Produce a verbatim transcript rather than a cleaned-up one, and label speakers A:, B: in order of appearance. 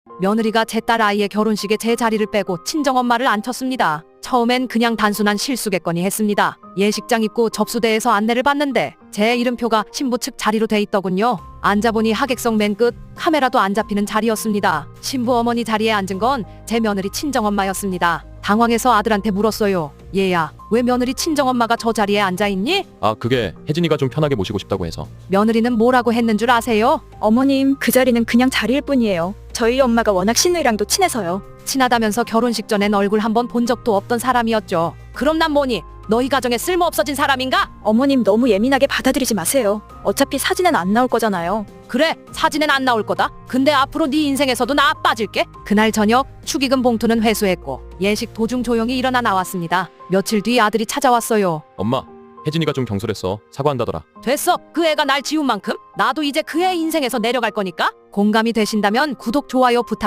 A: 며느리가 제 딸 아이의 결혼식에 제 자리를 빼고 친정엄마를 앉혔습니다. 처음엔 그냥 단순한 실수겠거니 했습니다. 예식장 입구 접수대에서 안내를 받는데 제 이름표가 신부 측 자리로 돼 있더군요. 앉아보니 하객석 맨 끝, 카메라도 안 잡히는 자리였습니다. 신부 어머니 자리에 앉은 건 제 며느리 친정엄마였습니다. 당황해서 아들한테 물었어요. 얘야, 왜 며느리 친정엄마가 저 자리에 앉아있니?
B: 아, 그게 혜진이가 좀 편하게 모시고 싶다고 해서.
A: 며느리는 뭐라고 했는 줄 아세요?
C: 어머님, 그 자리는 그냥 자리일 뿐이에요. 저희 엄마가 워낙 신우이랑도 친해서요.
A: 친하다면서 결혼식 전엔 얼굴 한번 본 적도 없던 사람이었죠. 그럼 난 뭐니? 너희 가정에 쓸모 없어진 사람인가?
C: 어머님 너무 예민하게 받아들이지 마세요. 어차피 사진엔 안 나올 거잖아요.
A: 그래, 사진엔 안 나올 거다. 근데 앞으로 네 인생에서도 나 빠질게. 그날 저녁 축의금 봉투는 회수했고 예식 도중 조용히 일어나 나왔습니다. 며칠 뒤 아들이 찾아왔어요.
B: 엄마, 혜진이가 좀 경솔했어. 사과한다더라.
A: 됐어. 그 애가 날 지운 만큼 나도 이제 그 애 인생에서 내려갈 거니까 공감이 되신다면 구독, 좋아요 부탁드립니다.